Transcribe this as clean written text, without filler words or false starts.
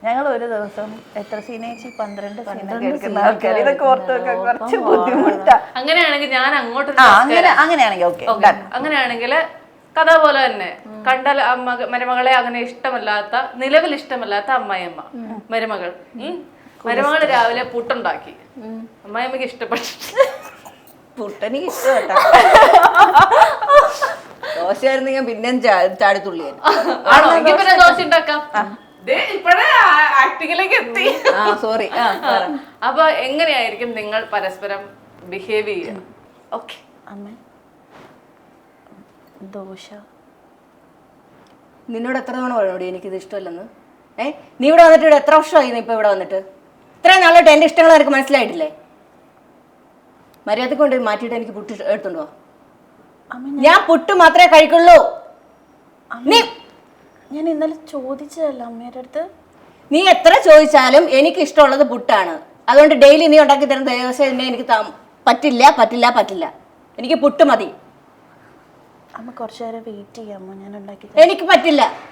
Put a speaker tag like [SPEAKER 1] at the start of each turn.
[SPEAKER 1] ഞങ്ങൾ ഒരു ദിവസം എത്ര സീനേച്ചി 12 സീനൊക്കെ എടുക്കുന്ന ആൾക്കാർ. ഇതൊക്കെ ഓർത്ത് വെക്കാൻ കുറച്ച് ബുദ്ധിമുട്ടാ.
[SPEAKER 2] അങ്ങനെയാണെങ്കിൽ ഞാൻ അങ്ങോട്ട്
[SPEAKER 1] അങ്ങനെയാണെങ്കിൽ ഓക്കെ.
[SPEAKER 2] അങ്ങനെയാണെങ്കിൽ കഥ പോലെ തന്നെ കണ്ടാൽ മരുമകളെ അങ്ങനെ ഇഷ്ടമല്ലാത്ത, നിലവിൽ ഇഷ്ടമല്ലാത്ത അമ്മായിയമ്മ മരുമകൾ. മരുമകൾ രാവിലെ പുട്ടുണ്ടാക്കി, അമ്മായിയമ്മക്ക് ഇഷ്ടപ്പെട്ടു.
[SPEAKER 1] പുട്ടെനിക്ക് ഇഷ്ടപ്പെട്ടോ. ദോശയായിരുന്നെങ്കിൽ പിന്നെ ചാടിത്തുള്ളിയായിരുന്നു.
[SPEAKER 2] ആണോ? എങ്കിൽ പിന്നെ ദോശ ഉണ്ടാക്കാം. ഇപ്പഴേ ആക്ടിങ്ങിലേക്ക് എത്തി.
[SPEAKER 1] സോറി.
[SPEAKER 2] അപ്പൊ എങ്ങനെയായിരിക്കും നിങ്ങൾ പരസ്പരം ബിഹേവ് ചെയ്യുക? ഓക്കെ
[SPEAKER 1] അമ്മ, ദോശ.
[SPEAKER 3] നിന്നോട് എത്ര തവണ പറഞ്ഞോടി എനിക്കിത് ഇഷ്ടമല്ലെന്ന്? നീ ഇവിടെ വന്നിട്ട് ഇവിടെ എത്ര വർഷമായി? ഇപ്പൊ ഇവിടെ വന്നിട്ട് ഇത്രയും നാളായിട്ട് എന്റെ ഇഷ്ടങ്ങൾ എനിക്ക് മനസ്സിലായിട്ടില്ലേ? മര്യാദക്ക് കൊണ്ട് മാറ്റിയിട്ട് എനിക്ക് പുട്ട് എടുത്തുണ്ടോ? ഞാൻ പുട്ട് മാത്രമേ കഴിക്കുള്ളൂ.
[SPEAKER 1] ഞാൻ ഇന്നലെ ചോദിച്ചതല്ല അമ്മയുടെ അടുത്ത്.
[SPEAKER 3] നീ എത്ര ചോദിച്ചാലും എനിക്ക് ഇഷ്ടമുള്ളത് പുട്ടാണ്. അതുകൊണ്ട് ഡെയിലി നീ ഉണ്ടാക്കി തരുന്ന ദിവസം എന്നെ എനിക്ക് പറ്റില്ല പറ്റില്ല പറ്റില്ല. എനിക്ക് പുട്ട് മതി.
[SPEAKER 1] അമ്മ കുറച്ചു നേരം വെയിറ്റ് ചെയ്യാമോ? ഞാൻ ഉണ്ടാക്കി.
[SPEAKER 3] എനിക്ക് പറ്റില്ല.